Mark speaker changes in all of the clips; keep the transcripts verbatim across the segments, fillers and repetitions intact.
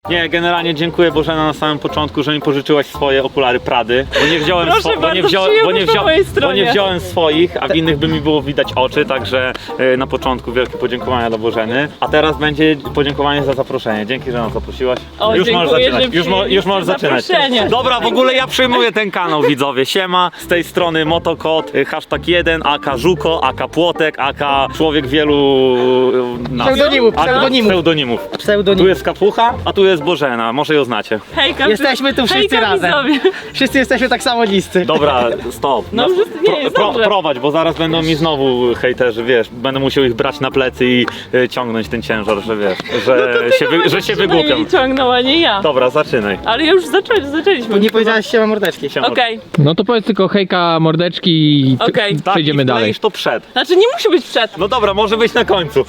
Speaker 1: Nie, generalnie dziękuję Bożena na samym początku, że mi pożyczyłaś swoje okulary Prady, bo nie wziąłem,
Speaker 2: Proszę
Speaker 1: swo bo nie
Speaker 2: bardzo,
Speaker 1: wziąłem, bo nie
Speaker 2: przyjemność po
Speaker 1: wziąłem,
Speaker 2: mojej
Speaker 1: bo
Speaker 2: stronie.
Speaker 1: nie wziąłem swoich, a w innych by mi było widać oczy, także y, na początku wielkie podziękowania dla Bożeny. A teraz będzie podziękowanie za zaproszenie. Dzięki, że nas zaprosiłaś.
Speaker 2: O,
Speaker 1: już możesz
Speaker 2: dziękuję,
Speaker 1: zaczynać.
Speaker 2: że
Speaker 1: Już, mo już możesz zaczynać.
Speaker 2: zaproszenie.
Speaker 1: Dobra, w ogóle ja przyjmuję ten kanał, widzowie. Siema, z tej strony Motokot, y, hashtag jeden, aka Żuko, aka Płotek, aka człowiek wielu y, nazw.
Speaker 3: Pseudonimów,
Speaker 1: Aka
Speaker 3: pseudonimów.
Speaker 1: pseudonimów.
Speaker 3: Pseudonim.
Speaker 1: Tu jest Kapucha, a tu jest Bożena, może ją znacie.
Speaker 2: Hejka,
Speaker 3: Jesteśmy tu wszyscy
Speaker 2: hejka,
Speaker 3: razem.
Speaker 2: widzowie.
Speaker 3: Wszyscy jesteśmy tak samo niscy.
Speaker 1: Dobra, stop.
Speaker 2: No,
Speaker 1: Nas-
Speaker 2: że- nie, jest dobrze.
Speaker 1: prowadź, bo zaraz będą mi znowu hejterzy, wiesz, będę musiał ich brać na plecy i y, ciągnąć ten ciężar, że wiesz, że się, wy, że się wygłupiam.
Speaker 2: Przynajmniej ciągnął, a nie ja.
Speaker 1: Dobra, zaczynaj.
Speaker 2: Ale już zaczęli, zaczęliśmy.
Speaker 3: Nie powiedziałaś siema mordeczki.
Speaker 1: Siema.
Speaker 2: Okej,
Speaker 4: No to powiedz tylko hejka, mordeczki i t-
Speaker 2: Okej.
Speaker 1: Tak,
Speaker 4: przejdziemy
Speaker 1: i
Speaker 4: dalej.
Speaker 1: wkleisz to przed.
Speaker 2: znaczy nie musi być przed.
Speaker 1: No dobra, może być na końcu.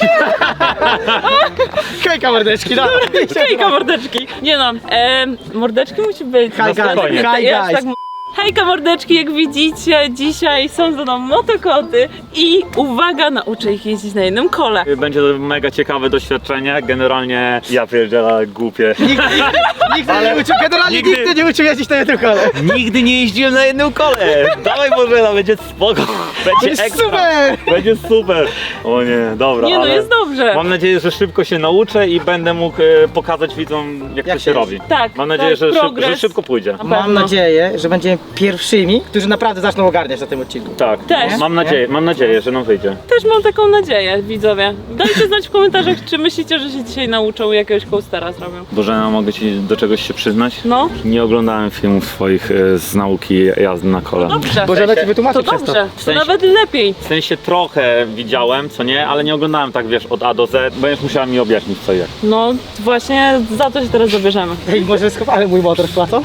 Speaker 3: Hejka mordeczki, no.
Speaker 2: Hejka, mordeczki. Nie no, e, mordeczki musi być.
Speaker 3: Hi guys,
Speaker 1: spokojnie.
Speaker 3: hi
Speaker 2: Ja już
Speaker 3: guys.
Speaker 2: tak m- Hejka mordeczki, jak widzicie, dzisiaj są ze mną motokoty i uwaga, nauczę ich jeździć na jednym kole.
Speaker 1: Będzie to mega ciekawe doświadczenie, generalnie ja pierdzielę głupie.
Speaker 3: Nigdy, nigdy nie uczył, generalnie
Speaker 1: Nigdy-
Speaker 3: nigdy, nie uczył jeździć na jednym kole.
Speaker 1: Nigdy nie jeździłem na jednym kole. Dawaj Bożena, będzie spoko. Będzie
Speaker 3: jest
Speaker 1: ekstra.
Speaker 3: super.
Speaker 1: Będzie super. O nie, dobra,
Speaker 2: Nie no,
Speaker 1: ale
Speaker 2: jest dobrze.
Speaker 1: mam nadzieję, że szybko się nauczę i będę mógł e, pokazać widzom, jak,
Speaker 3: Jak
Speaker 1: to się
Speaker 3: się
Speaker 1: robi.
Speaker 2: Tak,
Speaker 1: Mam nadzieję,
Speaker 2: tak,
Speaker 1: że, szyb,
Speaker 2: progres.
Speaker 1: że szybko pójdzie.
Speaker 2: Na
Speaker 3: Mam
Speaker 2: pewno.
Speaker 3: nadzieję, że będziemy pierwszymi, którzy naprawdę zaczną ogarniać na tym odcinku.
Speaker 1: Tak,
Speaker 2: Też.
Speaker 1: mam nadzieję, mam nadzieję, że nam wyjdzie.
Speaker 2: Też mam taką nadzieję, widzowie. Dajcie znać w komentarzach, czy myślicie, że się dzisiaj nauczą i jakiegoś coastera zrobią.
Speaker 1: Bożena, mogę ci do czegoś się przyznać?
Speaker 2: No,
Speaker 1: Nie oglądałem filmów swoich e, z nauki jazdy na kole.
Speaker 2: dobrze.
Speaker 3: Boże, ci wytłumaczy
Speaker 2: To
Speaker 3: przez to.
Speaker 2: dobrze, to
Speaker 1: sensie-
Speaker 2: nawet lepiej.
Speaker 1: W sensie trochę widziałem, co nie, ale nie oglądałem tak, wiesz, od A do Z. Będziesz musiała mi objaśnić, co i jak.
Speaker 2: No właśnie za to się teraz zabierzemy.
Speaker 3: Ej, może schowamy mój motor z placą?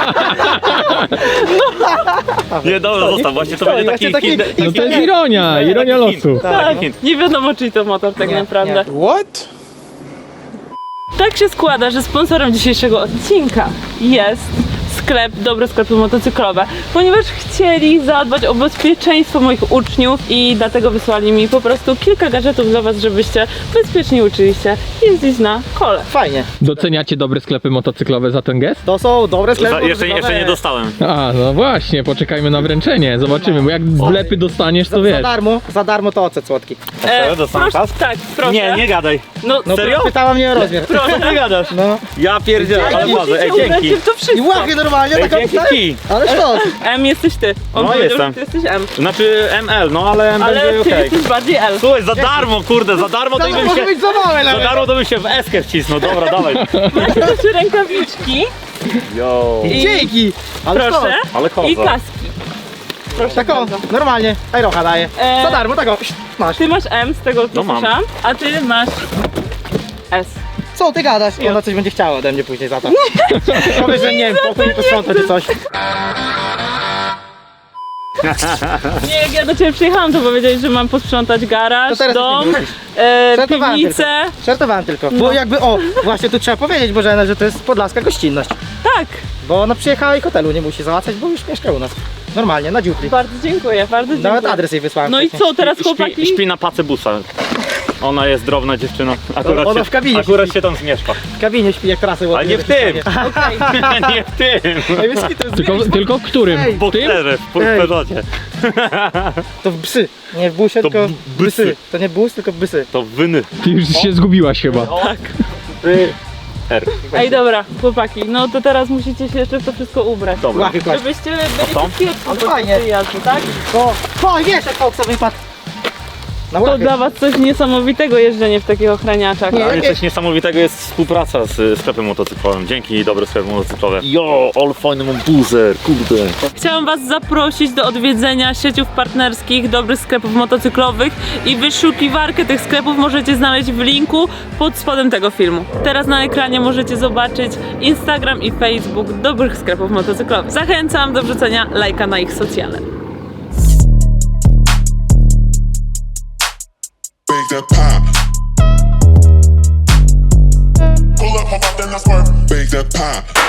Speaker 1: Nie, dobra, zostaw, właśnie to
Speaker 3: stoi,
Speaker 1: będzie taki
Speaker 3: właśnie taki-
Speaker 1: hint.
Speaker 4: No to jest ironia, ironia losu.
Speaker 2: Tak,
Speaker 1: hint.
Speaker 2: nie wiadomo czyj to motor tak
Speaker 3: Nie,
Speaker 2: naprawdę.
Speaker 5: What?
Speaker 2: Tak się składa, że sponsorem dzisiejszego odcinka jest sklep, dobre sklepy motocyklowe, ponieważ chcieli zadbać o bezpieczeństwo moich uczniów i dlatego wysłali mi po prostu kilka gadżetów dla was, żebyście bezpiecznie uczyli się jeździć na kole.
Speaker 3: Fajnie.
Speaker 4: Doceniacie dobre sklepy motocyklowe za ten gest?
Speaker 3: To są dobre sklepy.
Speaker 1: Za, jeszcze, jeszcze nie
Speaker 3: motocyklowe.
Speaker 1: dostałem.
Speaker 4: A, no właśnie, poczekajmy na wręczenie, zobaczymy, bo jak wlepy dostaniesz, to
Speaker 3: Za, za
Speaker 4: wiesz.
Speaker 3: darmo, za darmo to ocet słodki.
Speaker 1: serio? Dostałem
Speaker 2: proszę,
Speaker 1: kask?
Speaker 2: tak, proszę.
Speaker 1: Nie, nie gadaj.
Speaker 2: No,
Speaker 3: No
Speaker 1: Serio?
Speaker 3: pytała mnie o rozmiar.
Speaker 2: proszę.
Speaker 1: Nie gadasz.
Speaker 3: No.
Speaker 1: Ja pierdzielę, ale
Speaker 2: Ale
Speaker 1: bardzo. Ej,
Speaker 2: musicie ubrać
Speaker 1: dzięki.
Speaker 2: się w to
Speaker 3: I
Speaker 2: wszystko.
Speaker 3: łachy normalnie,
Speaker 1: Ej,
Speaker 3: taka
Speaker 1: dzięki kij.
Speaker 3: Ale sztos.
Speaker 2: M jesteś ty. On
Speaker 1: No,
Speaker 2: powiedział,
Speaker 1: jestem.
Speaker 2: że ty jesteś M.
Speaker 1: Znaczy M L, no ale M
Speaker 2: Ale
Speaker 1: będzie
Speaker 2: ty
Speaker 1: okej.
Speaker 2: jesteś bardziej L.
Speaker 1: Słuchaj, za darmo, kurde, za darmo to
Speaker 3: To
Speaker 1: i bym
Speaker 3: może
Speaker 1: się...
Speaker 3: być za małe
Speaker 1: Za
Speaker 3: nawet.
Speaker 1: darmo to bym się w eskę wcisnął, dobra, dawaj.
Speaker 2: Macie też rękawiczki,
Speaker 1: Yo.
Speaker 2: I-
Speaker 3: Dzięki. Ale
Speaker 2: proszę,
Speaker 3: sztos.
Speaker 1: Ale koza.
Speaker 2: i kaski. Proszę
Speaker 3: Tak o,
Speaker 2: bardzo.
Speaker 3: normalnie. Ajrocha daje.
Speaker 2: E,
Speaker 3: Za darmo, tak o. Masz.
Speaker 2: Ty masz M, z tego co
Speaker 1: No mam.
Speaker 2: słyszałam, a ty masz S.
Speaker 3: Co ty gadasz? I ona coś będzie chciała ode mnie później za to. Powiedz, że nie wiem, pokój nie posprząta czy coś.
Speaker 2: Nie, jak ja do ciebie przyjechałam, to powiedziałeś, że mam posprzątać garaż,
Speaker 3: To teraz
Speaker 2: dom,
Speaker 3: już nie musisz.
Speaker 2: e,
Speaker 3: Żartowałem
Speaker 2: piwnicę.
Speaker 3: tylko. Żartowałem tylko.
Speaker 2: No.
Speaker 3: Bo jakby, o, właśnie tu trzeba powiedzieć, Bożena, że to jest podlaska gościnność.
Speaker 2: Tak,
Speaker 3: Bo ona przyjechała i hotelu nie musi załatwiać, bo już mieszka u nas. Normalnie, na dziupli.
Speaker 2: bardzo dziękuję, bardzo dziękuję.
Speaker 3: Nawet adres jej wysłałem.
Speaker 2: No i
Speaker 3: wcześniej.
Speaker 2: co, teraz
Speaker 1: Śpi,
Speaker 2: chłopaki?
Speaker 1: śpi na pacy busa. Ona jest drobna dziewczyna. Akurat,
Speaker 3: Ona
Speaker 1: się,
Speaker 3: w kabinie
Speaker 1: akurat
Speaker 3: śpi.
Speaker 1: się tam zmieszka.
Speaker 3: W kabinie śpi jak trasy
Speaker 1: Ale
Speaker 3: ładuje.
Speaker 1: nie w tym!
Speaker 2: Okej.
Speaker 1: Nie w tym!
Speaker 3: Ej, wiesz, to jest
Speaker 4: Tylko, tylko w którym?
Speaker 3: Ej,
Speaker 1: W
Speaker 4: W tym?
Speaker 1: bokserze, w
Speaker 3: Ej.
Speaker 1: Peugeotie.
Speaker 3: To w psy. Nie w busie,
Speaker 1: To
Speaker 3: tylko
Speaker 1: b-
Speaker 3: w bysy.
Speaker 1: bysy.
Speaker 3: To nie bus, tylko bysy.
Speaker 1: To wyny.
Speaker 4: Ty już się zgubiłaś chyba.
Speaker 2: Tak.
Speaker 1: Ry. R.
Speaker 2: Ej, dobra, chłopaki, no to teraz musicie się jeszcze w to wszystko ubrać.
Speaker 1: Dobra.
Speaker 3: Łachy kłaść.
Speaker 2: Żebyście byli
Speaker 1: co?
Speaker 2: bezpieczni
Speaker 3: Ale
Speaker 2: podczas
Speaker 3: fajnie.
Speaker 2: tej jazdy, tak?
Speaker 3: O, o, wiesz jak Foxa wypadł. Na
Speaker 2: To
Speaker 3: łachy.
Speaker 2: dla was coś niesamowitego jeżdżenie w takich ochraniaczach.
Speaker 3: Nie.
Speaker 1: Dla mnie coś niesamowitego jest współpraca z sklepem motocyklowym. Dzięki dobre sklepy motocyklowe. Jo, all fajny mam buzer, kurde.
Speaker 2: Chciałam was zaprosić do odwiedzenia sieciów partnerskich dobrych sklepów motocyklowych i wyszukiwarkę tych sklepów możecie znaleźć w linku pod spodem tego filmu. Teraz na ekranie możecie zobaczyć Instagram i Facebook dobrych sklepów motocyklowych. Zachęcam do wrzucenia lajka na ich socjale.
Speaker 5: Bake that pop. Pull up, hop out, then I swerve. Bake that pop.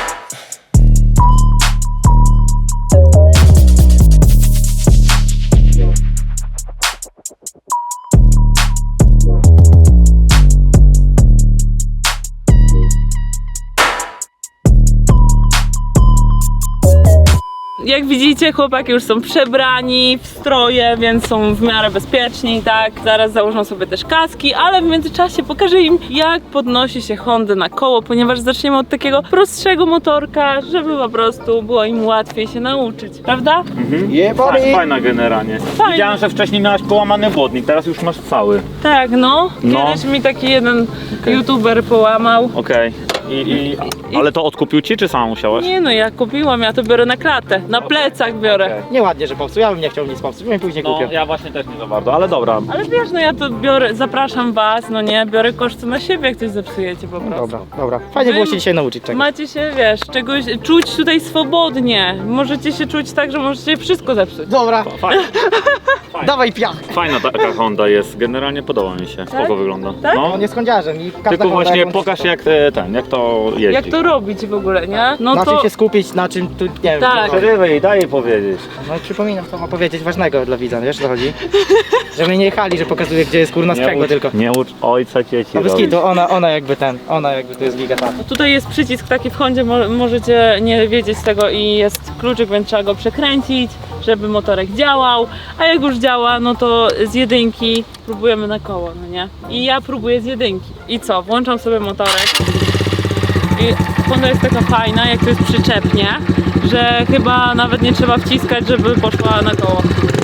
Speaker 2: Jak widzicie, chłopaki już są przebrani w stroje, więc są w miarę bezpieczni, tak? Zaraz założą sobie też kaski, ale w międzyczasie pokażę im, jak podnosi się Hondę na koło, ponieważ zaczniemy od takiego prostszego motorka, żeby po prostu było im łatwiej się nauczyć, prawda?
Speaker 3: Je,
Speaker 1: Fajna, fajna generalnie.
Speaker 2: Fajna.
Speaker 1: Widziałem, że wcześniej miałaś połamany błotnik, teraz już masz cały.
Speaker 2: Tak, no.
Speaker 1: No.
Speaker 2: Kiedyś mi taki jeden
Speaker 1: Okej.
Speaker 2: youtuber połamał.
Speaker 1: Okej. I, i, ale to odkupił ci, czy sama musiałaś?
Speaker 2: Nie no, ja kupiłam, ja to biorę na klatę, na plecach biorę.
Speaker 3: Nieładnie, że popsuł, ja bym nie chciał nic popsuć, bym później
Speaker 1: No,
Speaker 3: kupił.
Speaker 1: ja właśnie też nie za bardzo, ale dobra.
Speaker 2: Ale wiesz, no ja to biorę, zapraszam was, no nie, biorę koszty na siebie, jak coś zepsujecie po prostu.
Speaker 3: Dobra, dobra. Fajnie
Speaker 2: Wy
Speaker 3: było się dzisiaj nauczyć czegoś.
Speaker 2: Macie się, wiesz, czegoś, czuć tutaj swobodnie. Możecie się czuć tak, że możecie wszystko zepsuć.
Speaker 3: Dobra,
Speaker 1: Fajna,
Speaker 3: dawaj piach.
Speaker 1: fajna taka Honda jest, generalnie podoba mi się, spoko wygląda.
Speaker 2: Tak?
Speaker 1: No.
Speaker 3: On jest kądziarzem i każda
Speaker 1: Tylko
Speaker 3: Honda
Speaker 1: właśnie
Speaker 3: jak-
Speaker 1: pokaż jak e, ten, jak to jeździ.
Speaker 2: Jak to robić w ogóle, nie? No
Speaker 3: Na czym
Speaker 2: to...
Speaker 3: się skupić, na czym tu, nie wiem.
Speaker 2: Tak.
Speaker 3: co-
Speaker 1: Przerywaj i daj jej powiedzieć.
Speaker 3: No i przypominam, co ma powiedzieć ważnego dla widza, wiesz o co chodzi? Żeby nie jechali, że pokazuje, gdzie jest kurna sprzęgło
Speaker 1: ucz,
Speaker 3: tylko.
Speaker 1: nie ucz ojca dzieci
Speaker 3: No bez
Speaker 1: robić.
Speaker 3: kitu, ona, ona jakby ten, ona jakby to jest giga ta.
Speaker 2: Tutaj jest przycisk taki w Hondzie, mo możecie nie wiedzieć tego i jest kluczyk, więc trzeba go przekręcić, żeby motorek działał, a jak już działa, no to z jedynki próbujemy na koło, no nie? I ja próbuję z jedynki. I co? Włączam sobie motorek i Honda jest taka fajna, jak to jest przyczepnie, że chyba nawet nie trzeba wciskać, żeby poszła na koło.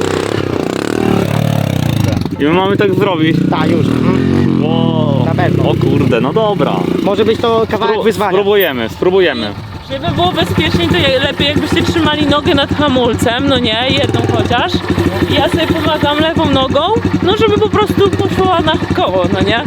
Speaker 1: I my mamy tak zrobić.
Speaker 3: Ta, już. Mhm.
Speaker 1: Wow.
Speaker 3: Na pewno.
Speaker 1: O kurde, no dobra.
Speaker 3: Może być to kawałek
Speaker 1: Spró-
Speaker 3: wyzwania.
Speaker 1: Spróbujemy, spróbujemy.
Speaker 2: Żeby było bezpieczniej, to je- lepiej jakbyście trzymali nogę nad hamulcem, no nie, jedną chociaż. I ja sobie pomagam lewą nogą, no żeby po prostu poszła na koło, no nie?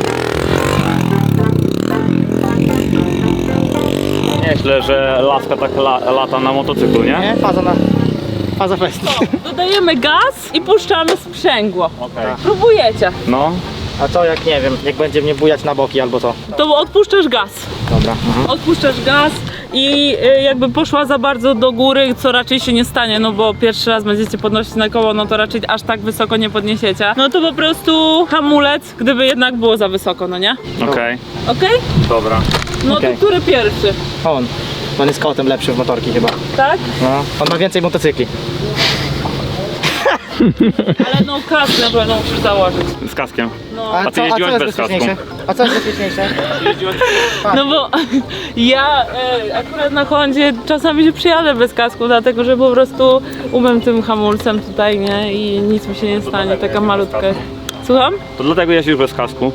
Speaker 1: Nieźle, że laska tak la, lata na motocyklu, nie?
Speaker 3: Nie? Faza na... Faza fest.
Speaker 2: To dodajemy gaz i puszczamy sprzęgło.
Speaker 1: Okej.
Speaker 2: Próbujecie.
Speaker 1: No.
Speaker 3: A co jak nie wiem, jak będzie mnie bujać na boki albo co?
Speaker 2: To odpuszczasz gaz.
Speaker 3: Dobra. Mhm.
Speaker 2: Odpuszczasz gaz i y, jakby poszła za bardzo do góry, co raczej się nie stanie, no bo pierwszy raz będziecie podnosić na koło, no to raczej aż tak wysoko nie podniesiecie. No to po prostu hamulec, gdyby jednak było za wysoko, no nie?
Speaker 1: Okej.
Speaker 2: Okej?
Speaker 1: Dobra.
Speaker 2: No
Speaker 3: Okej.
Speaker 2: to który pierwszy?
Speaker 3: On. On jest kotem lepszy w motorki chyba.
Speaker 2: Tak?
Speaker 3: No. On ma więcej motocykli.
Speaker 2: Ale no kasę na pewno musisz założyć.
Speaker 1: Z kaskiem.
Speaker 2: No,
Speaker 3: A,
Speaker 1: A ty
Speaker 3: co, a co
Speaker 1: jeździłaś
Speaker 3: jest
Speaker 1: bez kasku?
Speaker 3: bezpieczniejsze? A co jest bezpieczniejsze?
Speaker 2: no bo ja e, akurat na Hondzie czasami się przyjadę bez kasku, dlatego że po prostu umiem tym hamulcem tutaj, nie? I nic mi się nie stanie, taka malutka. Słucham?
Speaker 1: To dlatego jeździsz bez kasku.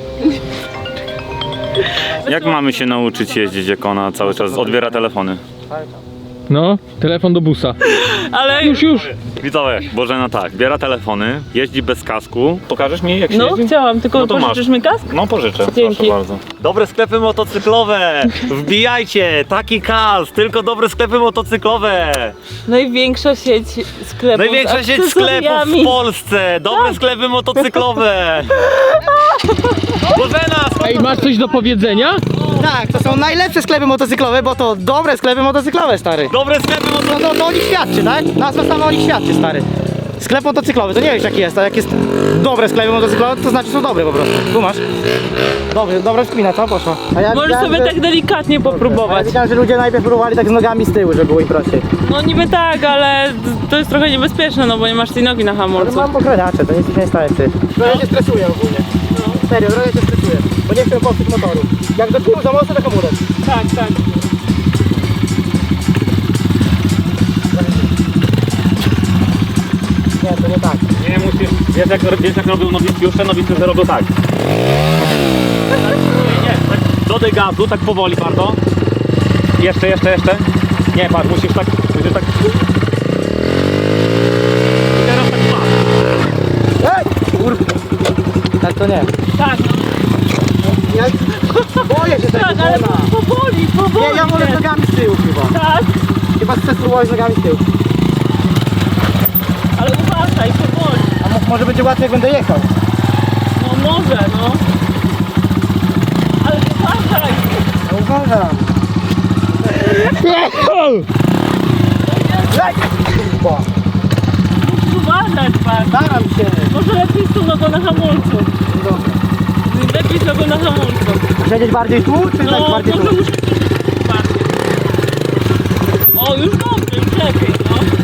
Speaker 1: Jak mamy się nauczyć jeździć, jak ona cały czas odbiera telefony?
Speaker 4: No, telefon do busa.
Speaker 2: Ale
Speaker 4: Już, już.
Speaker 1: Widzowie, Bożena tak, biera telefony, jeździ bez kasku. Pokażesz mi jak się
Speaker 2: no
Speaker 1: jeździ?
Speaker 2: chciałam, tylko
Speaker 1: No to
Speaker 2: pożyczysz
Speaker 1: masz.
Speaker 2: mi kask?
Speaker 1: No pożyczę,
Speaker 2: Dzięki.
Speaker 1: proszę bardzo. Dobre sklepy motocyklowe! Wbijajcie! Taki kas! Tylko dobre sklepy motocyklowe!
Speaker 2: Największa sieć sklepów
Speaker 1: Największa
Speaker 2: z
Speaker 1: sieć sklepów
Speaker 2: akcesoriami.
Speaker 1: w Polsce! Dobre sklepy motocyklowe! Bożena!
Speaker 4: Ej, masz coś do powiedzenia?
Speaker 3: Tak, to są najlepsze sklepy motocyklowe, bo to dobre sklepy motocyklowe, stary.
Speaker 1: Dobre sklepy motocyklowe!
Speaker 3: No to, to o nich świadczy, tak? Nazwa sama o nich świadczy, stary. Sklep motocyklowy, to nie wiesz jaki jest, a jak jest dobre sklepy motocyklowe, to znaczy są dobre po prostu. Tu masz. Dobry, dobra wspina, co poszła? A ja
Speaker 2: Możesz
Speaker 3: widziałem,
Speaker 2: sobie
Speaker 3: że-
Speaker 2: tak delikatnie
Speaker 3: A ja
Speaker 2: popróbować.
Speaker 3: widziałem, że ludzie najpierw próbowali tak z nogami z tyłu, żeby było im prościej.
Speaker 2: No niby tak, ale to jest trochę niebezpieczne, no bo nie masz tej nogi na
Speaker 3: Ale
Speaker 2: hamulcu.
Speaker 3: mam pokraniacze, to nic się nie stanie, ty. Trochę się stresuję ogólnie. No. Serio, trochę się stresuję, bo nie chcę popsuć motoru. Jak do tyłu za mocno, to hamulec.
Speaker 2: Tak, tak.
Speaker 3: Nie, to nie tak.
Speaker 1: Nie musisz, wiesz jak, wiesz jak robią nowicjusze? Nowicjusze robią tak. Nie, tak dodaj gazu, tak powoli bardzo. Jeszcze, jeszcze, jeszcze. Nie, patrz, musisz tak, musisz tak. I teraz tak patrz.
Speaker 3: Ej! Kurwa. Tak to nie.
Speaker 2: Tak,
Speaker 3: Ja boję się tego,
Speaker 2: tak, ale
Speaker 3: kurwa.
Speaker 2: powoli, powoli.
Speaker 3: Nie, ja wolę z nogami z tyłu chyba.
Speaker 2: Tak,
Speaker 3: Chyba chcę spróbować z nogami z tyłu.
Speaker 2: ale uważaj, powoli.
Speaker 3: A mo- może będzie łatwiej jak będę jechał.
Speaker 2: No może, no. Ale uważaj.
Speaker 3: No uważam. Lej! Kurwa.
Speaker 2: Musisz uważać, pan.
Speaker 3: Staram się.
Speaker 2: Może lepiej z tą nogą na hamulcu.
Speaker 3: Dobra.
Speaker 2: Lepiej z nogą na hamulcu.
Speaker 3: Siedzieć bardziej tu, czy tak
Speaker 2: No,
Speaker 3: bardziej tu?
Speaker 2: może musisz bardziej. O, już dobrze, już lepiej, no.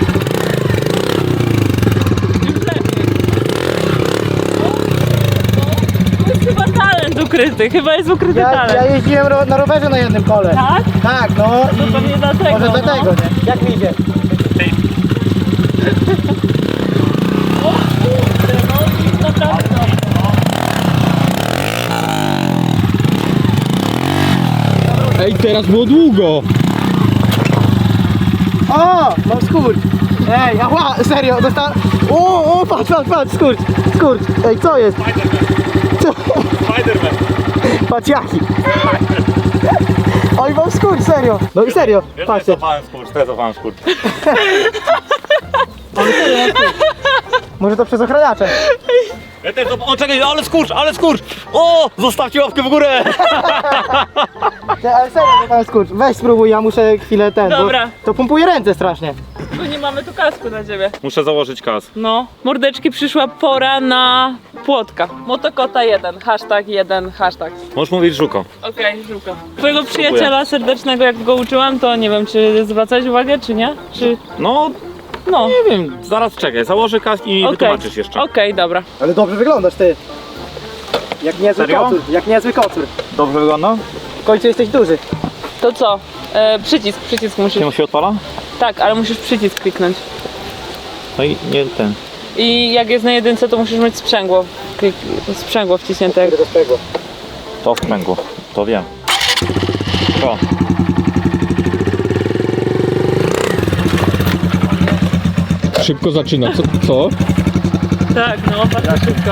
Speaker 2: ukryty, chyba jest ukryty
Speaker 3: Ja,
Speaker 2: talent.
Speaker 3: ja jeździłem ro na rowerze na jednym kole.
Speaker 2: Tak?
Speaker 3: Tak, no
Speaker 2: To
Speaker 3: i
Speaker 2: pewnie dlatego,
Speaker 3: może
Speaker 2: no.
Speaker 3: dlatego, nie? Jak mi idzie?
Speaker 2: O kurde, no i naprawdę dobrze.
Speaker 4: Ej, teraz było długo.
Speaker 3: O, mam skurcz. Ej, ała, serio, dostałem... O, o, patrz, patrz, patrz, skurcz, skurcz. Ej, co jest? Co?
Speaker 1: Spiderman.
Speaker 3: Patrz jaki. Oj, mam skurcz, serio. No i serio, patrzcie.
Speaker 1: Stresowałem skurcz, stresowałem skurcz.
Speaker 3: Może to przez ochraniacze.
Speaker 1: Ja też, o czekaj, ale skurcz, ale skurcz! O, zostawcie łapkę w górę!
Speaker 3: Nie, ale serio, to mam skurcz. Weź spróbuj, ja muszę chwilę ten,
Speaker 2: Dobra.
Speaker 3: bo to pompuje ręce strasznie.
Speaker 2: Bo nie mamy tu kasku dla ciebie.
Speaker 1: Muszę założyć kas.
Speaker 2: No, mordeczki, przyszła pora na płotka. Motokota jeden, hashtag jeden, hashtag.
Speaker 1: Możesz mówić żuko.
Speaker 2: Okej, żółka. Twojego przyjaciela serdecznego, jak go uczyłam, to nie wiem, czy zwracać uwagę, czy nie? Czy...
Speaker 1: No,
Speaker 2: No.
Speaker 1: nie wiem, zaraz czekaj, założę kas i
Speaker 2: Okej.
Speaker 1: wytłumaczysz jeszcze.
Speaker 2: Okej, dobra.
Speaker 3: Ale dobrze wyglądasz ty. Jak niezły
Speaker 1: Serio?
Speaker 3: kocur, jak niezły kocur.
Speaker 1: Dobrze wygląda?
Speaker 3: W końcu jesteś duży.
Speaker 2: To co? E, przycisk, przycisk musisz.
Speaker 1: Się się odpala?
Speaker 2: Tak, ale musisz przycisk kliknąć.
Speaker 1: No i nie ten.
Speaker 2: I jak jest na jedynce, to musisz mieć sprzęgło. Klik... Sprzęgło wciśnięte.
Speaker 3: Do tego.
Speaker 1: To wpęgło, to wiem. To.
Speaker 4: Szybko zaczyna. Co? Co?
Speaker 2: Tak, no, bardzo szybko.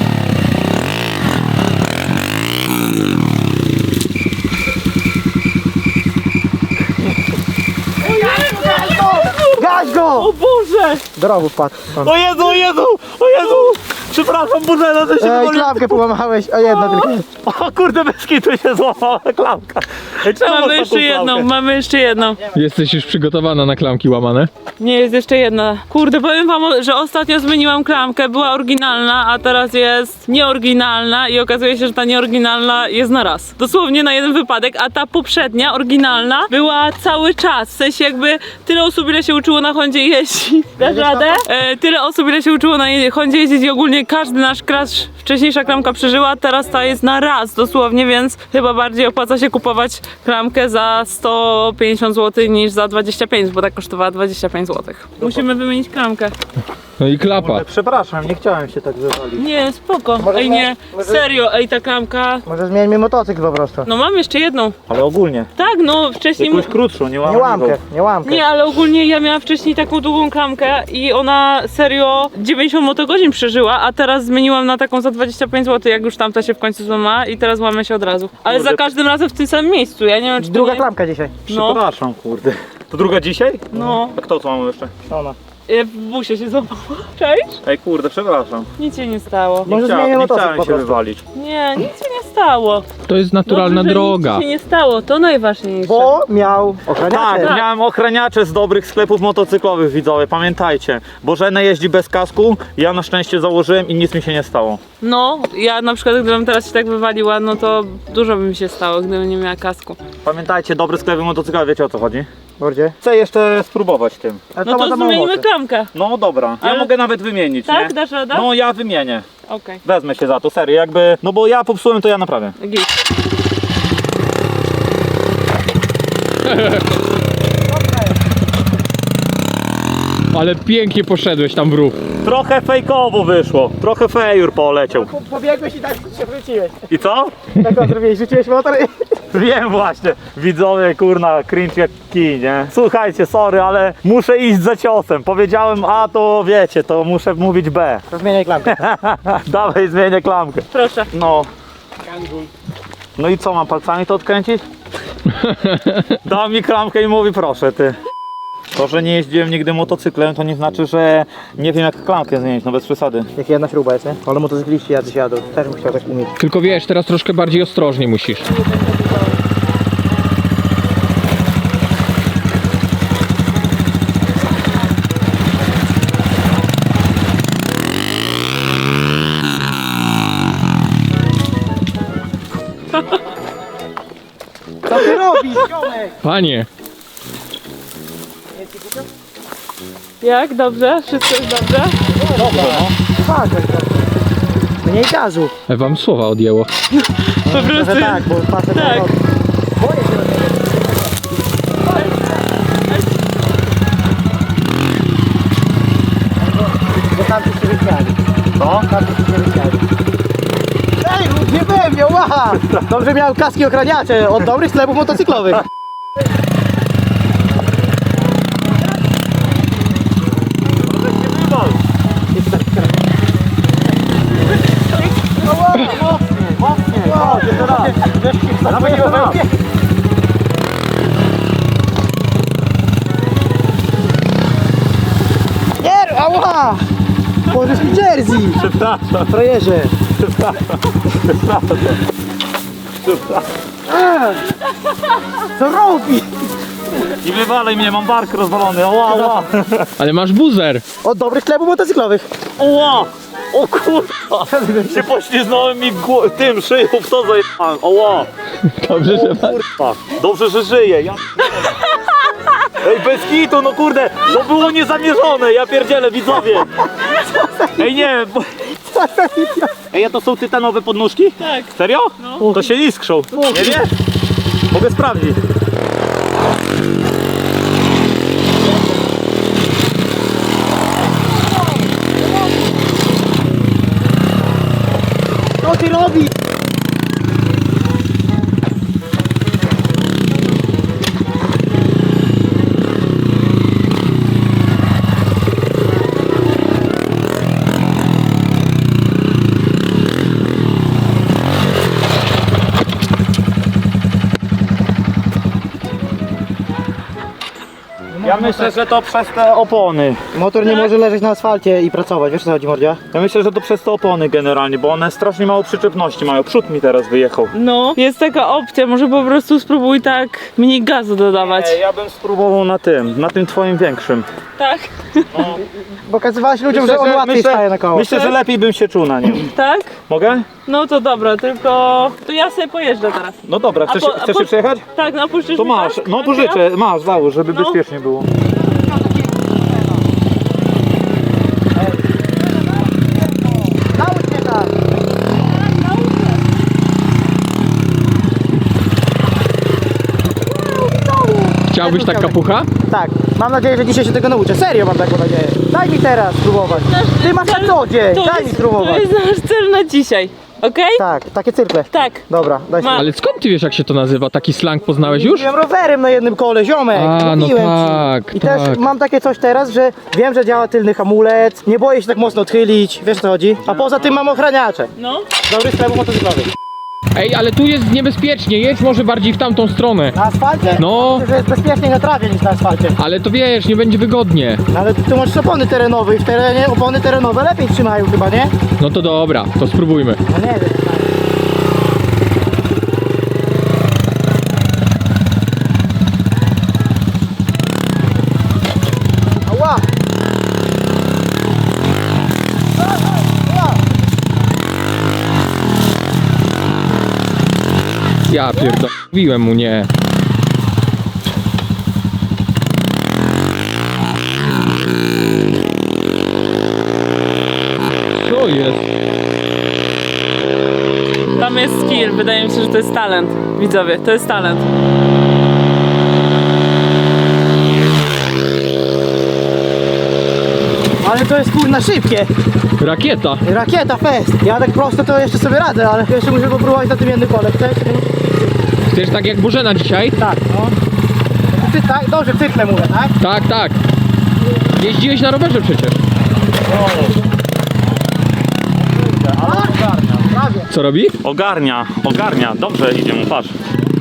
Speaker 3: Gaś go!
Speaker 2: O Boże!
Speaker 3: Do rowu wpadł.
Speaker 1: O Jezu, o Jezu, o Jezu! Przepraszam, Bożena, to się
Speaker 3: Ej,
Speaker 1: wywaliło.
Speaker 3: klamkę połamałeś, a jedna tylko jest.
Speaker 1: O kurde, bez kitu się złamała klamka. Ej, czemu masz
Speaker 2: Mamy
Speaker 1: taką
Speaker 2: jeszcze jedną,
Speaker 1: klamkę?
Speaker 2: mamy jeszcze jedną.
Speaker 4: Jesteś już przygotowana na klamki łamane?
Speaker 2: Nie, jest jeszcze jedna. Kurde, powiem wam, że ostatnio zmieniłam klamkę, była oryginalna, a teraz jest nieoryginalna i okazuje się, że ta nieoryginalna jest na raz. Dosłownie na jeden wypadek, a ta poprzednia, oryginalna, była cały czas. W sensie jakby tyle osób, ile się uczyło na Hondzie jeździć. Dasz radę? E, tyle osób, ile się uczyło na je- Hondzie jeździć i ogólnie każdy nasz crash, wcześniejsza klamka przeżyła, teraz ta jest na raz dosłownie, więc chyba bardziej opłaca się kupować klamkę za sto pięćdziesiąt złotych niż za dwadzieścia pięć, bo tak kosztowała dwadzieścia pięć złotych. Musimy wymienić klamkę.
Speaker 4: No i klapa.
Speaker 3: Przepraszam, nie chciałem się tak wywalić.
Speaker 2: Nie, spoko.
Speaker 3: Może
Speaker 2: Ej, nie,
Speaker 3: może-
Speaker 2: serio, ej, ta klamka.
Speaker 3: Może zmieńmy motocykl po prostu.
Speaker 2: No mam jeszcze jedną.
Speaker 1: Ale ogólnie.
Speaker 2: Tak, no wcześniej.
Speaker 1: Jakąś krótszą, nie
Speaker 3: Nie
Speaker 1: łamaniwą.
Speaker 3: łamkę, nie łamkę.
Speaker 2: Nie, ale ogólnie ja miałam wcześniej taką długą klamkę i ona serio dziewięćdziesiąt motogodzin przeżyła, a teraz zmieniłam na taką za dwadzieścia pięć złotych, jak już tamta się w końcu złamała i teraz łamie się od razu. Ale
Speaker 1: Kurde.
Speaker 2: za każdym razem w tym samym miejscu, ja nie wiem czy to
Speaker 3: Druga
Speaker 2: nie...
Speaker 3: klamka dzisiaj.
Speaker 2: No,
Speaker 1: Przepraszam, kurde. To druga dzisiaj?
Speaker 2: no.
Speaker 1: A kto to mamy jeszcze?
Speaker 3: Ona.
Speaker 2: E, W busie się złamała. Cześć?
Speaker 1: Ej, kurde, przepraszam.
Speaker 2: Nic się nie stało.
Speaker 1: Nie,
Speaker 3: Może
Speaker 1: chciałem,
Speaker 3: zmienię
Speaker 1: nie
Speaker 3: motocykl
Speaker 1: chciałem
Speaker 3: po
Speaker 1: się
Speaker 3: prostu.
Speaker 1: wywalić.
Speaker 2: Nie, nic się nie stało.
Speaker 4: To jest naturalna
Speaker 2: Dobrze, że
Speaker 4: droga.
Speaker 2: Nic się nie stało, to najważniejsze.
Speaker 3: Bo miał ochraniacze.
Speaker 1: Tak, miałem ochraniacze z dobrych sklepów motocyklowych, widzowie, pamiętajcie. Bożena jeździ bez kasku, ja na szczęście założyłem i nic mi się nie stało.
Speaker 2: No, ja na przykład gdybym teraz się tak wywaliła, no to dużo by mi się stało, gdybym nie miała kasku.
Speaker 1: Pamiętajcie, dobre sklepy motocyklowe, wiecie o co chodzi?
Speaker 3: Bordzie.
Speaker 1: Chcę jeszcze spróbować tym.
Speaker 3: A
Speaker 2: No
Speaker 3: ma
Speaker 2: to
Speaker 3: za mało
Speaker 2: zmienimy
Speaker 3: mocy.
Speaker 2: klamkę.
Speaker 1: No dobra, ja
Speaker 2: Ale-
Speaker 1: mogę nawet wymienić,
Speaker 2: Tak?
Speaker 1: nie?
Speaker 2: Dasz radę?
Speaker 1: No ja wymienię.
Speaker 2: Okej.
Speaker 1: Wezmę się za to, serio, jakby, no bo ja popsułem, to ja naprawię.
Speaker 2: Git.
Speaker 4: Ale pięknie poszedłeś tam w rów.
Speaker 1: Trochę fejkowo wyszło, trochę fejur poleciał.
Speaker 3: Po- Pobiegłeś i tak się wróciłeś.
Speaker 1: I co?
Speaker 3: Tak on zrobiłeś, rzuciłeś motor i...
Speaker 1: Wiem właśnie, widzowie, kurna, cringe jak kij, nie? Słuchajcie, sorry, ale muszę iść za ciosem. Powiedziałem A, to wiecie, to muszę mówić B.
Speaker 3: To zmieniaj klamkę.
Speaker 1: Dawaj, zmienię klamkę.
Speaker 2: Proszę.
Speaker 1: No. No i co, mam palcami to odkręcić? Dał mi klamkę i mówi proszę, ty. To, że nie jeździłem nigdy motocyklem, to nie znaczy, że nie wiem jak klamkę zmienić, no bez przesady.
Speaker 3: Jak jedna śruba jest, nie? Ale motocykliści jacyś jadą. Też bym chciał tak umieć.
Speaker 4: Tylko wiesz, teraz troszkę bardziej ostrożnie musisz.
Speaker 3: Co ty robisz, ziomek?
Speaker 4: Panie,
Speaker 2: Jak? Dobrze? Wszystko jest dobrze?
Speaker 3: Patrz, jak to. Mniej gazu.
Speaker 4: wam słowa odjęło.
Speaker 2: Po prostu.
Speaker 3: Że tak, bo patrzę
Speaker 2: Tak.
Speaker 3: to. Boję się do tego. Bo tam się wyśmiali.
Speaker 1: Co?
Speaker 3: Tam się wyśmiali. Ej, nie byłem, miał łaha! Dobrze miał kaski ochraniacze od dobrych sklepów motocyklowych.
Speaker 1: Mocniej, chodź, jeszcze raz. Nawet nie raz.
Speaker 3: Nie, ała! Możesz mi jersey!
Speaker 1: Przepraszam,
Speaker 3: Frajerze!
Speaker 1: przepraszam, przepraszam.
Speaker 3: Co robi?
Speaker 1: I wywalej mnie, mam bark rozwalony, oła, oła.
Speaker 4: Ale masz buzer.
Speaker 3: Od dobrych sklepów motocyklowych.
Speaker 1: Oła! O kurwa! Się pośliznąłem mi gło- tym szyją w to zajebałem, oła!
Speaker 4: Dobrze, że
Speaker 1: O kurwa! Dobrze, że żyję, ja... Ej, bez kitu, no kurde! To było niezamierzone, ja pierdzielę, widzowie! Ej, nie, bo... Ej, a to są tytanowe podnóżki?
Speaker 2: Tak.
Speaker 1: Serio?
Speaker 2: No.
Speaker 1: To się iskrzą. Nie wiesz? Mogę sprawdzić.
Speaker 3: Co ty robisz?
Speaker 1: Ja myślę, że to przez te opony.
Speaker 3: Motor nie może leżeć na asfalcie i pracować, wiesz co chodzi, Mordzia?
Speaker 1: Ja myślę, że to przez te opony generalnie, bo one strasznie mało przyczepności mają. Przód mi teraz wyjechał.
Speaker 2: No, jest taka opcja, może po prostu spróbuj tak mniej gazu dodawać.
Speaker 1: Ej, ja bym spróbował na tym, na tym twoim większym.
Speaker 2: Tak?
Speaker 3: Pokazywałeś ludziom, że on łatwiej staje na koło.
Speaker 1: myślę, że lepiej bym się czuł na nim.
Speaker 2: Tak?
Speaker 1: Mogę?
Speaker 2: No to dobra, tylko to ja sobie pojeżdżę teraz.
Speaker 1: No dobra, chcesz,
Speaker 2: A po- a
Speaker 1: chcesz
Speaker 2: po-
Speaker 1: się przejechać?
Speaker 2: Tak, no puścisz
Speaker 1: To
Speaker 2: mi
Speaker 1: masz,
Speaker 2: tak?
Speaker 1: no
Speaker 2: Tak,
Speaker 1: pożyczę, masz, załóż, żeby
Speaker 2: No.
Speaker 1: bezpiecznie było.
Speaker 3: Naucz mnie tak!
Speaker 4: Chciałbyś tak kapucha?
Speaker 3: Tak, mam nadzieję, że dzisiaj się tego nauczę. Serio mam taką nadzieję. Daj mi teraz spróbować. Ty masz na co dzień,
Speaker 2: To
Speaker 3: daj mi
Speaker 2: jest, to
Speaker 3: spróbować.
Speaker 2: jest nasz cel na dzisiaj, okej?
Speaker 3: Tak, takie cyrkle.
Speaker 2: Tak.
Speaker 3: Dobra, daj
Speaker 2: Ma-
Speaker 3: spróbować.
Speaker 4: Ale skąd ty wiesz, jak się to nazywa? Taki slang poznałeś już?
Speaker 3: Jeździłem rowerem na jednym kole, ziomek.
Speaker 4: A, no
Speaker 3: mówiłem
Speaker 4: tak,
Speaker 3: ci. I
Speaker 4: tak.
Speaker 3: też mam takie coś teraz, że wiem, że działa tylny hamulec, nie boję się tak mocno odchylić, wiesz o co chodzi? A poza tym mam ochraniacze.
Speaker 2: No.
Speaker 3: Dobry sklep motocyklowy.
Speaker 4: Ej, ale tu jest niebezpiecznie, jedź może bardziej w tamtą stronę.
Speaker 3: Na asfalcie?
Speaker 4: No.
Speaker 3: Myślę, że jest bezpieczniej na trawie niż na asfalcie.
Speaker 4: Ale to wiesz, nie będzie wygodnie.
Speaker 3: No ale tu masz opony terenowe i w terenie opony terenowe lepiej trzymają chyba, nie?
Speaker 4: No to dobra, to spróbujmy.
Speaker 3: No nie wiem. Ała!
Speaker 4: Ja pierdolę, mówiłem mu nie. Co jest?
Speaker 2: Tam jest skill, wydaje mi się, że to jest talent. Widzowie, to jest talent.
Speaker 3: Ale to jest kurna szybkie.
Speaker 4: Rakieta.
Speaker 3: Rakieta fest. Ja tak prosto to jeszcze sobie radzę, ale jeszcze muszę popróbować na tym jednym kole. Chcesz?
Speaker 4: Chcesz tak jak Bożena dzisiaj?
Speaker 3: Tak, no. Ty, tak, dobrze, w cykle mówię, tak?
Speaker 4: Tak, tak. Jeździłeś na rowerze przecież.
Speaker 1: Ale ogarnia.
Speaker 3: Prawie.
Speaker 4: Co robi?
Speaker 1: Ogarnia, ogarnia. Dobrze idzie mu, patrz.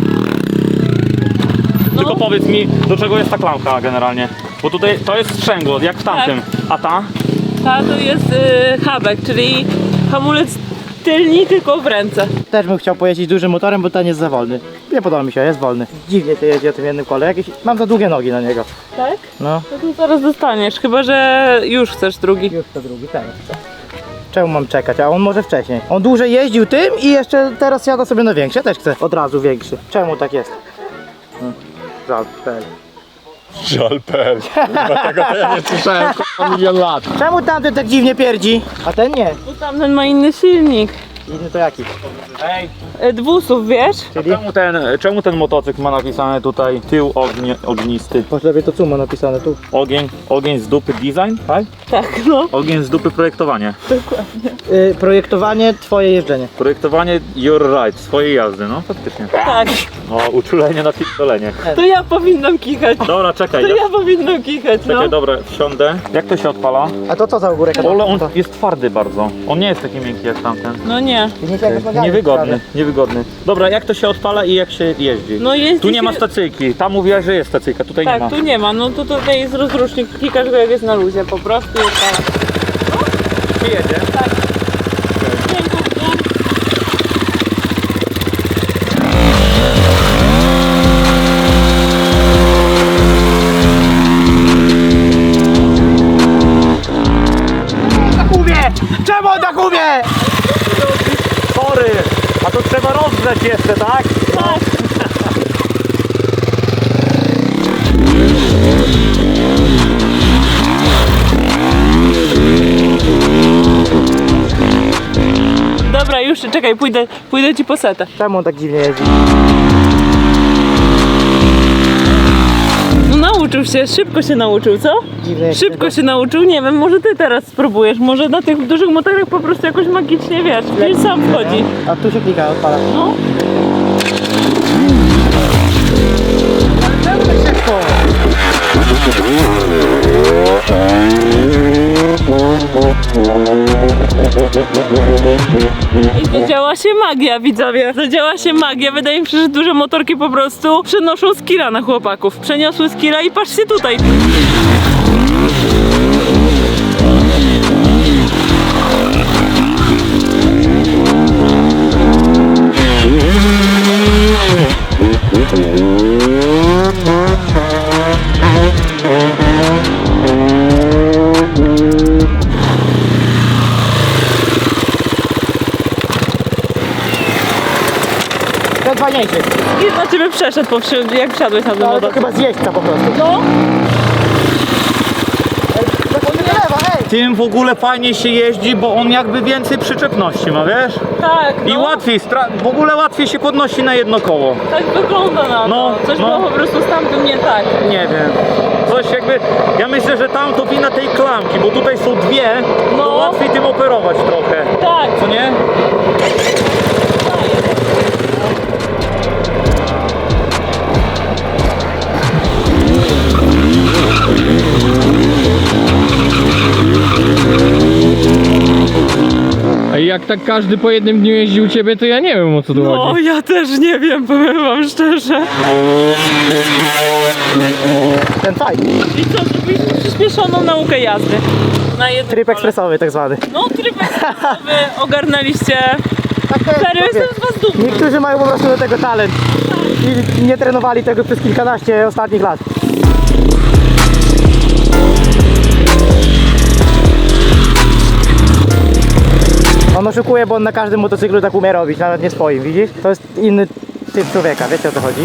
Speaker 1: Tylko powiedz mi, do czego jest ta klamka generalnie? Bo tutaj to jest sprzęgło, jak w tamtym. A ta?
Speaker 2: Ta to jest y, habek, czyli hamulec tylni tylko w ręce.
Speaker 3: Też bym chciał pojeździć dużym motorem, bo ten jest za wolny. Nie podoba mi się, jest wolny. Dziwnie się jeździ o tym jednym kole. Jakieś... Mam za długie nogi na niego.
Speaker 2: Tak?
Speaker 3: No.
Speaker 2: No to zaraz dostaniesz, chyba że już chcesz drugi.
Speaker 3: Już to drugi, teraz. Czemu mam czekać, a on może wcześniej. On dłużej jeździł tym i jeszcze teraz siada sobie na większy. Ja też chcę od razu większy. Czemu tak jest? Hmm. Żal, pel.
Speaker 1: Żalpel. Tego to ja nie
Speaker 4: Słyszałem milion lat.
Speaker 3: Czemu tamten tak dziwnie pierdzi, a ten nie?
Speaker 2: Bo tamten ma inny silnik.
Speaker 3: Inny to jaki?
Speaker 1: Ej,
Speaker 2: E, Dwusów, wiesz?
Speaker 3: Czyli?
Speaker 1: czemu ten, czemu ten motocykl ma napisane tutaj tył ognie, ognisty?
Speaker 3: Masz lepiej to co ma napisane tu.
Speaker 1: Ogień, ogień z dupy design, tak?
Speaker 2: Tak, no.
Speaker 1: Ogień z dupy projektowanie.
Speaker 3: Yy, projektowanie, twoje jeżdżenie.
Speaker 1: Projektowanie your ride, swojej jazdy, no faktycznie.
Speaker 2: Tak.
Speaker 1: O, uczulenie na pierdolenie.
Speaker 2: To ja powinnam kichać.
Speaker 1: Dobra, czekaj,
Speaker 2: To
Speaker 1: ja,
Speaker 2: ja powinnam kichać, no.
Speaker 1: czekaj, dobra, wsiądę. Jak to się odpala?
Speaker 3: A to co za ogórek?
Speaker 1: Ole, on jest twardy bardzo. On nie jest taki miękki jak tamten.
Speaker 2: No nie.
Speaker 1: Niewygodny, niewygodny. Dobra, jak to się odpala i jak się jeździ?
Speaker 2: No jeździ
Speaker 1: Tu nie
Speaker 2: się-
Speaker 1: ma stacyjki. Tam mówiłaś, że jest stacyjka, tutaj nie ma.
Speaker 2: Tak, tu nie ma. No to tutaj jest rozrusznik. Klikasz go jak jest na luzie po prostu. i odpala.
Speaker 1: Czy jedzie?
Speaker 2: Piękno w dół.
Speaker 3: Tak umie! Czemu on tak umie?
Speaker 1: Sorry! A to trzeba rozgrzać jeszcze, tak?
Speaker 2: Tak. Dobra, już czekaj, pójdę, pójdę ci po setę.
Speaker 3: Czemu on tak dziwnie jeździ?
Speaker 2: No nauczył się, szybko się nauczył, co?
Speaker 3: Dziwnie jak
Speaker 2: Szybko się nauczył, nie wiem, może ty teraz spróbujesz, może na tych dużych motorach po prostu jakoś magicznie, wiesz, wiesz, sam wchodzi.
Speaker 3: A tu się klika, odpala.
Speaker 2: No.
Speaker 3: Czemu tak szybko?
Speaker 2: I zadziała się magia, widzowie. Zadziała się magia. Wydaje mi się, że duże motorki po prostu przenoszą skilla na chłopaków. Przeniosły skilla i patrzcie tutaj.
Speaker 3: Ten fajniejszy.
Speaker 2: I na ciebie przeszedł, po wsi- jak wsiadłeś na ten
Speaker 3: No, ale to
Speaker 2: motor.
Speaker 3: chyba z jeźdźca po prostu.
Speaker 2: No,
Speaker 3: Tak on nie lewa, ej!
Speaker 1: Tym w ogóle fajnie się jeździ, bo on jakby więcej przyczepności ma, wiesz?
Speaker 2: tak,
Speaker 1: I
Speaker 2: no.
Speaker 1: łatwiej, stra- w ogóle łatwiej się podnosi na jedno koło.
Speaker 2: Tak wygląda na to.
Speaker 1: No,
Speaker 2: Coś
Speaker 1: no.
Speaker 2: było po prostu z tamtym nie tak.
Speaker 1: Nie wiem. Coś jakby, ja myślę, że tam to wina tej klamki, bo tutaj są dwie,
Speaker 2: No.
Speaker 1: to łatwiej tym operować trochę.
Speaker 2: Tak.
Speaker 1: Co nie?
Speaker 4: A jak tak każdy po jednym dniu jeździ u ciebie, to ja nie wiem, o co tu
Speaker 2: No,
Speaker 4: chodzi.
Speaker 2: ja też nie wiem, powiem wam szczerze.
Speaker 3: Ten fajny.
Speaker 2: I co, zrobiliśmy przyspieszoną naukę jazdy. Na jednym
Speaker 3: Tryb
Speaker 2: kole.
Speaker 3: ekspresowy tak zwany.
Speaker 2: No, tryb ekspresowy, ogarnęliście.
Speaker 3: Tak to jest,
Speaker 2: Serio,
Speaker 3: mówię.
Speaker 2: jestem z was dumny.
Speaker 3: Niektórzy mają po prostu do tego talent. I nie trenowali tego przez kilkanaście ostatnich lat. On oszukuje, bo on na każdym motocyklu tak umie robić, nawet nie swoim, widzisz? To jest inny typ człowieka, wiecie o co chodzi?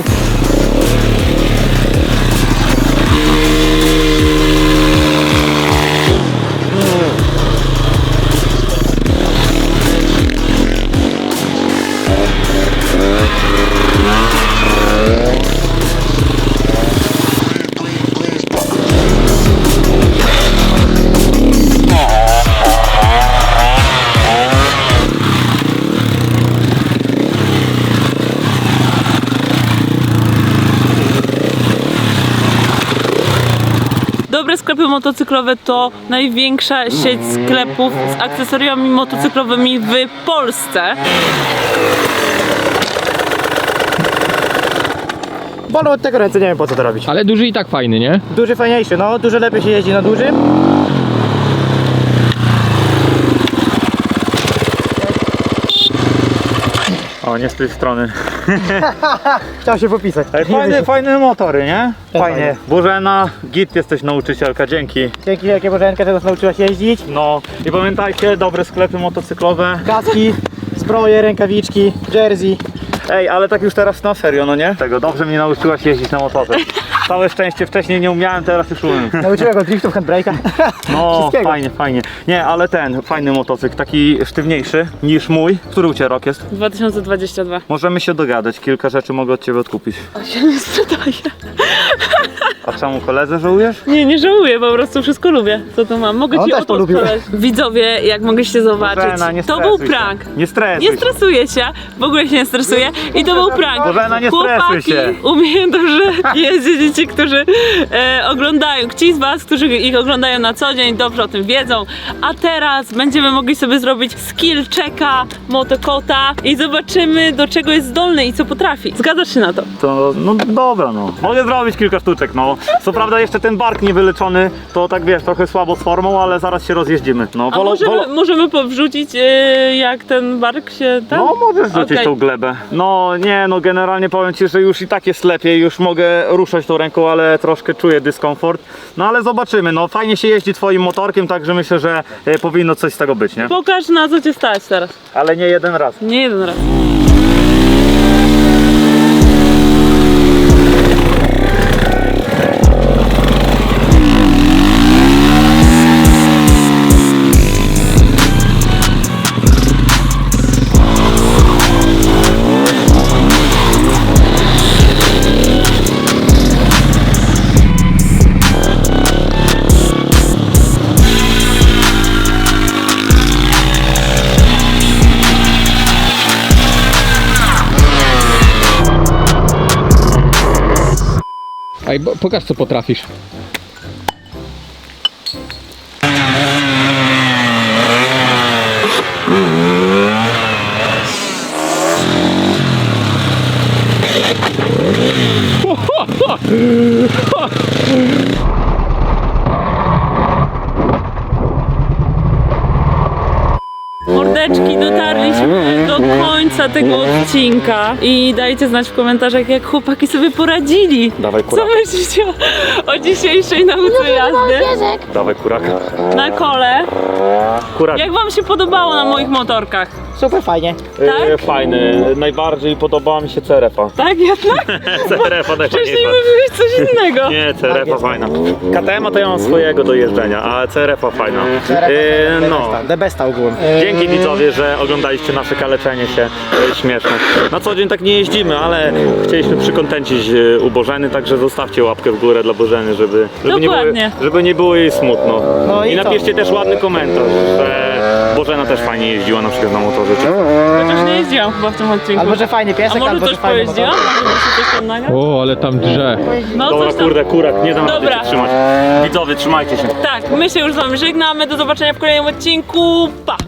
Speaker 2: Dobre sklepy motocyklowe to największa sieć sklepów z akcesoriami motocyklowymi w Polsce.
Speaker 3: Bolą od tego ręce, nie wiem po co to robić.
Speaker 4: Ale duży i tak fajny, nie?
Speaker 3: Duży fajniejszy, no, dużo lepiej się jeździ na dużym.
Speaker 1: O, nie z tej strony.
Speaker 3: Chciał się popisać.
Speaker 1: Ej, fajne, fajne motory, nie?
Speaker 3: Fajnie.
Speaker 1: Fajnie. Bożena, git jesteś nauczycielka, dzięki.
Speaker 3: Dzięki wielkie Bożenka, że nas nauczyłaś jeździć.
Speaker 1: No i pamiętajcie, dobre sklepy motocyklowe.
Speaker 3: Kaski, zbroje, rękawiczki, jersey.
Speaker 1: Ej, ale tak już teraz na serio, no nie? Tego, dobrze mnie nauczyłaś jeździć na motorze. Całe szczęście wcześniej nie umiałem, teraz już umiem.
Speaker 3: Nauczyłem go driftów, handbrake'a.
Speaker 1: No,
Speaker 3: Wszystkiego.
Speaker 1: fajnie, fajnie. Nie, ale ten, fajny motocykl, taki sztywniejszy niż mój. Który u Ciebie rok jest?
Speaker 2: dwa tysiące dwudziesty drugi.
Speaker 1: Możemy się dogadać, kilka rzeczy mogę od Ciebie odkupić.
Speaker 2: A się nie sprzedaje.
Speaker 1: A czemu koledze żałujesz?
Speaker 2: Nie, nie żałuję, po prostu wszystko lubię, co tu mam. Mogę
Speaker 3: On
Speaker 2: ci
Speaker 3: też
Speaker 2: o to
Speaker 3: polubił.
Speaker 2: sprzedać. Widzowie, jak mogliście zobaczyć,
Speaker 1: Bożena, nie
Speaker 2: to
Speaker 1: stresuj
Speaker 2: był
Speaker 1: się.
Speaker 2: prank.
Speaker 1: Nie stresuj
Speaker 2: Nie
Speaker 1: się.
Speaker 2: stresuję się, w ogóle się nie stresuję i to był prank.
Speaker 1: Bożena, nie stresuj
Speaker 2: Chłopaki
Speaker 1: się.
Speaker 2: umieją dobrze jeździć, ci, którzy e, oglądają, ci z was, którzy ich oglądają na co dzień, dobrze o tym wiedzą. A teraz będziemy mogli sobie zrobić skill checka motokota i zobaczymy, do czego jest zdolny i co potrafi. Zgadzasz się na to?
Speaker 1: To, no dobra no. Mogę zrobić kilka sztuczek, no. Co prawda jeszcze ten bark niewyleczony, to tak wiesz, trochę słabo z formą, ale zaraz się rozjeździmy. No,
Speaker 2: A
Speaker 1: wolą-
Speaker 2: możemy,
Speaker 1: wolą-
Speaker 2: możemy powrzucić, e, jak ten bark się tam?
Speaker 1: No możesz rzucić
Speaker 2: Okej.
Speaker 1: tą glebę. No nie, no generalnie powiem Ci, że już i tak jest lepiej, już mogę ruszać tą ręką, ale troszkę czuję dyskomfort. No ale zobaczymy, no fajnie się jeździ Twoim motorkiem, także myślę, że e, powinno coś z tego być, nie?
Speaker 2: Pokaż, na co cię stać teraz.
Speaker 1: Ale nie jeden raz.
Speaker 2: Nie jeden raz.
Speaker 4: Ej, bo- pokaż co potrafisz.
Speaker 2: Mordeczki, dotarliśmy do końca tego odcinka i dajcie znać w komentarzach, jak chłopaki sobie poradzili.
Speaker 1: Dawaj
Speaker 2: Co
Speaker 1: kuraka.
Speaker 2: myślicie o, o dzisiejszej nauce jazdy
Speaker 1: Dawaj kuraka.
Speaker 2: na kole?
Speaker 1: Kurak.
Speaker 2: Jak wam się podobało na moich motorkach?
Speaker 3: Super fajnie.
Speaker 2: tak?
Speaker 1: E, fajny, najbardziej podobała mi się C R F-a.
Speaker 2: Tak jednak?
Speaker 1: C R F-a
Speaker 2: Wcześniej
Speaker 1: najfajniejsza.
Speaker 2: mówiłeś coś innego.
Speaker 1: Nie, C R F-a fajna. K T M-a to ja mam swojego do jeżdżenia, a C R F-a fajna. E, no.
Speaker 3: The besta ogółem.
Speaker 1: Dzięki widzowie, że oglądaliście nasze kaleczenie się e, śmieszne. Na co dzień tak nie jeździmy, ale chcieliśmy przykontencić e, u Bożeny, także zostawcie łapkę w górę dla Bożeny, żeby, żeby, nie, było,
Speaker 2: Dokładnie.
Speaker 1: żeby nie było jej smutno.
Speaker 3: No i
Speaker 1: I
Speaker 3: co?
Speaker 1: napiszcie też ładny komentarz, że Bożena też fajnie jeździła na przykład na motorze. Czy...
Speaker 2: Chociaż nie jeździłam chyba w tym odcinku.
Speaker 3: Albo że fajny
Speaker 2: A
Speaker 3: piesek,
Speaker 2: może
Speaker 3: albo
Speaker 2: coś
Speaker 3: że fajny
Speaker 2: pojeździłam?
Speaker 3: motor.
Speaker 2: Może się coś tam nagra?
Speaker 4: O, ale tam drze.
Speaker 2: No
Speaker 1: Dobra,
Speaker 2: coś tam.
Speaker 1: kurde, kurak, nie dam rady
Speaker 2: Dobra.
Speaker 1: się trzymać. Widzowie, trzymajcie się.
Speaker 2: Tak, my się już z wami żegnamy. Do zobaczenia w kolejnym odcinku. Pa!